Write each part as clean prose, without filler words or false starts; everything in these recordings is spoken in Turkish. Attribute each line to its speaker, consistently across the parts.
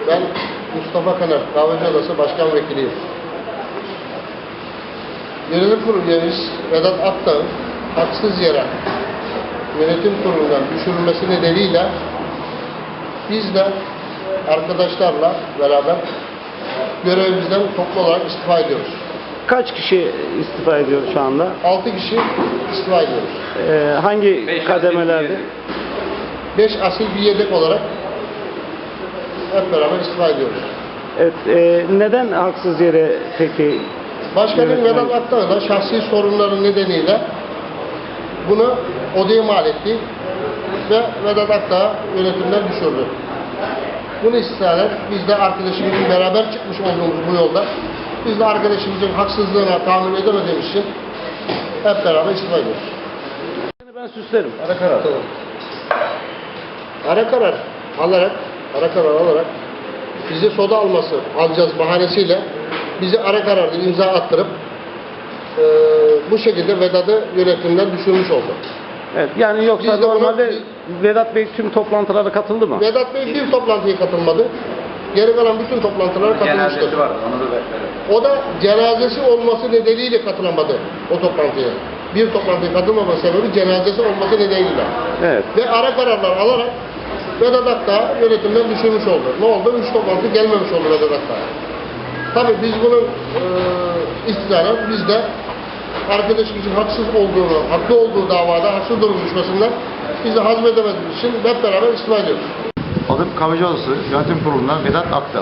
Speaker 1: Ben Mustafa Kanar, Kahveci Odası Başkan Vekiliyim. Yönetim Kurulu üyemiz Vedat Akdağ'ın haksız yere yönetim kurulundan düşürülmesi nedeniyle biz de arkadaşlarla beraber görevimizden toplu olarak istifa ediyoruz.
Speaker 2: Kaç kişi istifa ediyor şu anda?
Speaker 1: 6 kişi istifa ediyoruz.
Speaker 2: Hangi kademelerde?
Speaker 1: 5 asil bir yedek olarak hep beraber istifa ediyoruz.
Speaker 2: Evet, neden haksız yere peki?
Speaker 1: Başkanın
Speaker 2: Evet,
Speaker 1: Vedat Akdağ da şahsi sorunların nedeniyle bunu odaya mal etti ve Vedat Akdağ yönetimden düşürdü. Bunu istinaden biz de arkadaşımızın beraber çıkmış olduğumuz bu yolda biz de arkadaşımızın haksızlığına tahammül edemediğimiz için hep beraber istifa ediyoruz.
Speaker 2: Ben süslerim.
Speaker 1: Ara karar. Ara karar alarak bizi soda alacağız bahanesiyle bizi ara kararda imza attırıp bu şekilde Vedat'ı yönetimden düşürmüş oldu.
Speaker 2: Evet, yani yoksa
Speaker 1: Biz de
Speaker 2: normalde Vedat Bey tüm toplantılara katıldı mı?
Speaker 1: Vedat Bey bir toplantıya katılmadı. Geri kalan bütün toplantılara katılmıştır.
Speaker 3: Cenazesi vardı, onu da bekledim.
Speaker 1: O da cenazesi olması nedeniyle katılamadı o toplantıya. Bir toplantıya katılmama sebebi cenazesi olması nedeniyle.
Speaker 2: Evet.
Speaker 1: Ve ara kararlar alarak Vedat Akdağ yönetimden düşürmüş oldu. Ne oldu? 3 toplantı gelmemiş oldu Vedat Akdağ. Tabii biz bunun istinaden biz de arkadaşımızın haksız olduğunu, haklı olduğu davada haksız durum düşmesinden biz de hazmedemediğimiz için hep beraber istifa ediyoruz.
Speaker 4: Adım Kahveci Odası Yönetim Kurulu'ndan Vedat Akdağ.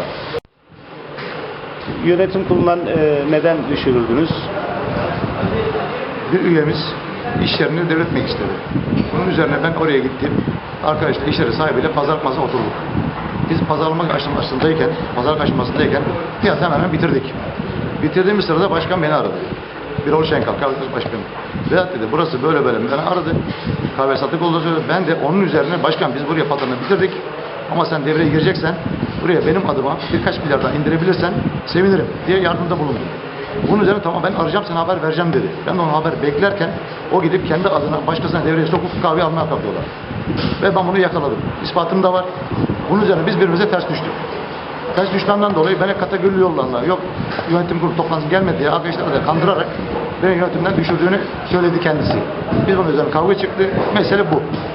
Speaker 2: Yönetim kurulundan neden düşürüldünüz?
Speaker 4: Bir üyemiz iş yerini devretmek istedi. Bunun üzerine ben oraya gittim. Arkadaşlar iş yeri sahibiyle pazarlık masasına oturduk. Biz pazarlama aşamasındayken fiyatı hemen bitirdik. Bitirdiğimiz sırada başkan beni aradı. Birol Şenkal, Kahveci Başkanı. Vedat dedi, burası böyle beni aradı. Kahve sattık olduğunu söyledi. Ben de onun üzerine, başkan biz buraya pazarını bitirdik. Ama sen devreye gireceksen, buraya benim adıma birkaç milyar daha indirebilirsen sevinirim diye yardımda bulundum. Bunun üzerine tamam ben arayacağım sana haber vereceğim dedi. Ben de ona haber beklerken o gidip kendi adına başkasına devreye sokup kahve almaya kalkıyorlar. Ve ben bunu yakaladım. İspatım da var. Bunun üzerine biz birbirimize ters düştük. Ters düşmemden dolayı beni kategorili yollarla yok yönetim kurulu toplantısı gelmedi diye arkadaşları da kandırarak beni yönetimden düşürdüğünü söyledi kendisi. Biz bunun üzerine kavga çıktı. Mesele bu.